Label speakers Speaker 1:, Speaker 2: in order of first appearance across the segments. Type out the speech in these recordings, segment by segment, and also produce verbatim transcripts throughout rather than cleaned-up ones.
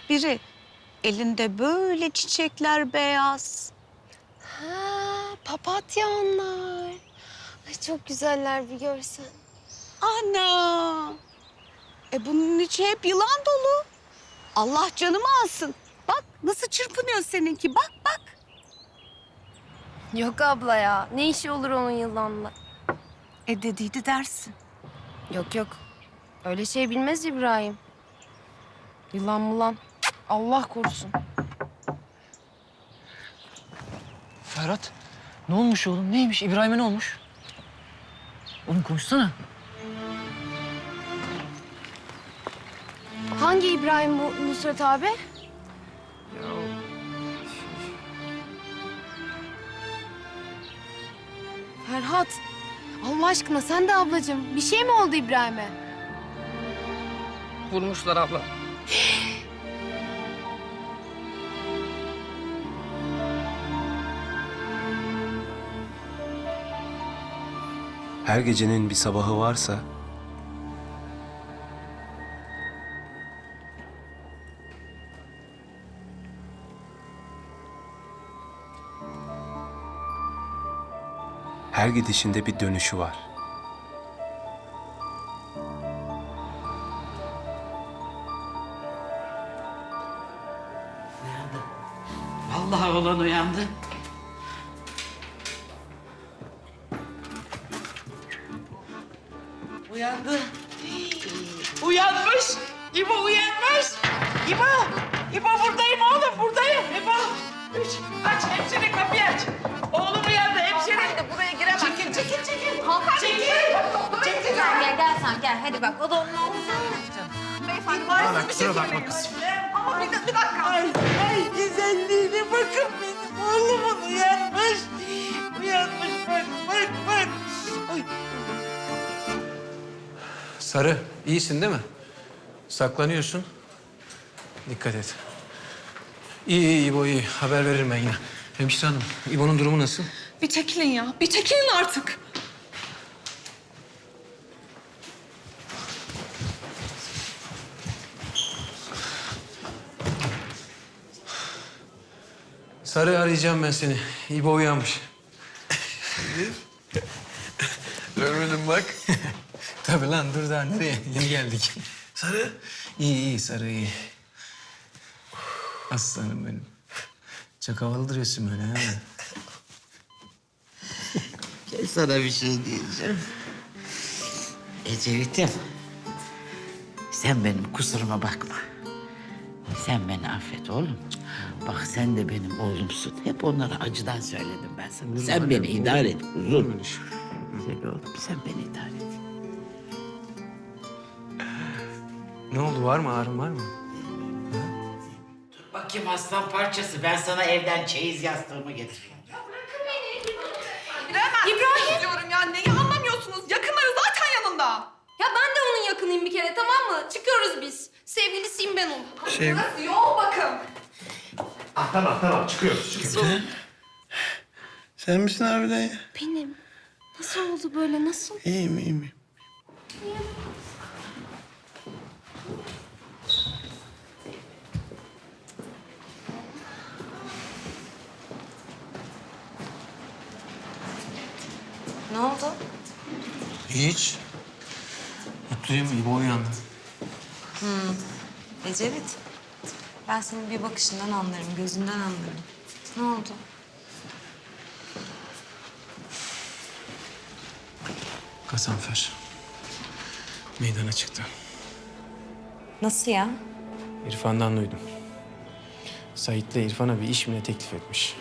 Speaker 1: biri. Elinde böyle çiçekler beyaz.
Speaker 2: Ha, papatya onlar. Ay çok güzeller bir görsen.
Speaker 1: Ana! E bunun içi hep yılan dolu. Allah canımı alsın. Bak nasıl çırpınıyor seninki. Bak bak.
Speaker 2: Yok abla ya. Ne işi olur onun yılanla?
Speaker 1: E dediydi dersin.
Speaker 2: Yok yok. Öyle şey bilmez İbrahim. Yılan mulan. Allah korusun.
Speaker 3: Ferhat, ne olmuş oğlum? Neymiş? İbrahim'e ne olmuş? Oğlum konuşsana.
Speaker 2: Hangi İbrahim bu Nusret abi? Ferhat. Allah aşkına sen de ablacığım. Bir şey mi oldu İbrahim'e?
Speaker 3: Vurmuşlar abla.
Speaker 4: Her gecenin bir sabahı varsa her gidişinde bir dönüşü var.
Speaker 5: Uyandı. Vallahi oğlan uyandı. Uyandı. Uyanmış. İbo uyanmış. İbo. İbo buradayım oğlum buradayım. İbo. Üç. Aç hemşire kapıyı aç. Oğlum uyandı hemşire. Hadi buraya giremezsin. Çekil çekil çekil. Çekil. Çekil.
Speaker 6: Gel gel gel sen gel hadi bak o da onun oğlu sen ne yapacaksın?
Speaker 5: Beyefendi var bir şey bakma kızım. Ama bir, bir dakika. Ay, ay güzelliğine bakın benim oğlumun uyanmış. Uyanmış bak bak bak. Ay.
Speaker 7: Sarı, iyisin değil mi? Saklanıyorsun. Dikkat et. İyi, iyi İbo, iyi. Haber veririm ben yine. Hemşire hanım, İbo'nun durumu nasıl?
Speaker 8: Bir çekilin ya. Bir çekilin artık.
Speaker 7: Sarı, arayacağım ben seni. İbo uyanmış.
Speaker 9: Görmedim bak.
Speaker 7: Tabii lan, dur daha nereye? Yeni geldik.
Speaker 9: Sarı.
Speaker 7: İyi, iyi Sarı, iyi. Aslanım benim. Çok havalı duruyorsun böyle ha.
Speaker 5: Gel sana bir şey diyeceğim. Ecevit'im. Sen benim kusuruma bakma. Sen beni affet oğlum. Bak sen de benim oğlumsun. Hep onlara acıdan söyledim ben sana. Sen beni idare et kuzum. Güzel oğlum sen beni idare et.
Speaker 7: Ne oldu, var mı? Ağrın var mı?
Speaker 5: Bakayım aslan parçası. Ben sana evden çeyiz yastığımı getireyim.
Speaker 8: İbrahim. Diyorum ya. Neyi anlamıyorsunuz? Yakınları zaten yanında.
Speaker 2: Ya ben de onun yakınıyım bir kere tamam mı? Çıkıyoruz biz. Sevgilisiyim ben onun.
Speaker 7: Şey...
Speaker 8: Burası yol bakın.
Speaker 9: Ah, tamam tamam çıkıyoruz. çıkıyoruz.
Speaker 10: Sen misin harbiden ya?
Speaker 2: Benim. Nasıl oldu böyle nasıl?
Speaker 10: İyiyim, iyiyim.
Speaker 6: Ne oldu?
Speaker 7: Hiç. Mutluyum, İbo uyandı.
Speaker 6: Ecevit. Ben senin bir bakışından anlarım, gözünden anlarım. Ne oldu?
Speaker 7: Gazanfer. Meydana çıktı.
Speaker 6: Nasıl ya?
Speaker 7: İrfan'dan duydum. Sait'le İrfan'a bir iş mi ne teklif etmiş.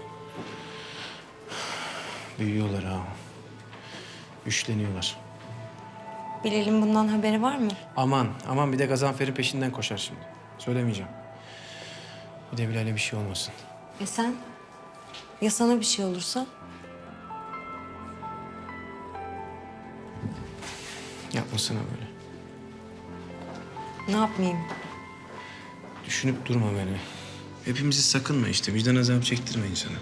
Speaker 7: Büyüyorlar ha. Güçleniyorlar.
Speaker 6: Bilal'in bundan haberi var mı?
Speaker 7: Aman, aman bir de Gazanfer'in peşinden koşar şimdi. Söylemeyeceğim. Bir de Bilal'e bir şey olmasın.
Speaker 6: E sen? Ya sana bir şey olursa?
Speaker 7: Yapmasana böyle.
Speaker 6: Ne yapmayayım?
Speaker 7: Düşünüp durma beni. Hepimizi sakınma işte. Vicdan azabı çektirme insana.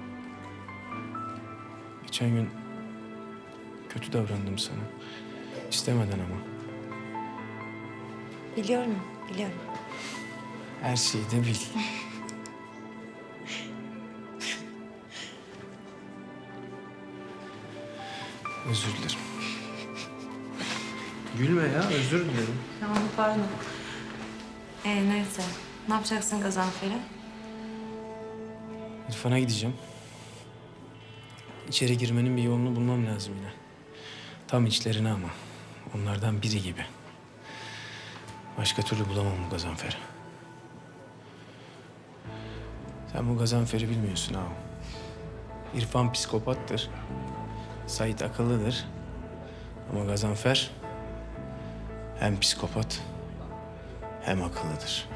Speaker 7: Geçen gün kötü davrandım sana. İstemeden ama.
Speaker 6: Biliyorum, biliyorum.
Speaker 7: Her şeyi de bil. Özür dilerim. Gülme ya, özür dilerim.
Speaker 6: Tamam, pardon. Ee, neyse. Ne yapacaksın Gazanfer'e?
Speaker 7: İrfan'a gideceğim. İçeri girmenin bir yolunu bulmam lazım yine. Tam içlerine ama. Onlardan biri gibi. Başka türlü bulamam bu Gazanfer'i. Sen bu Gazanfer'i bilmiyorsun ağam. İrfan psikopattır. Sait akıllıdır. Ama Gazanfer hem psikopat hem akıllıdır.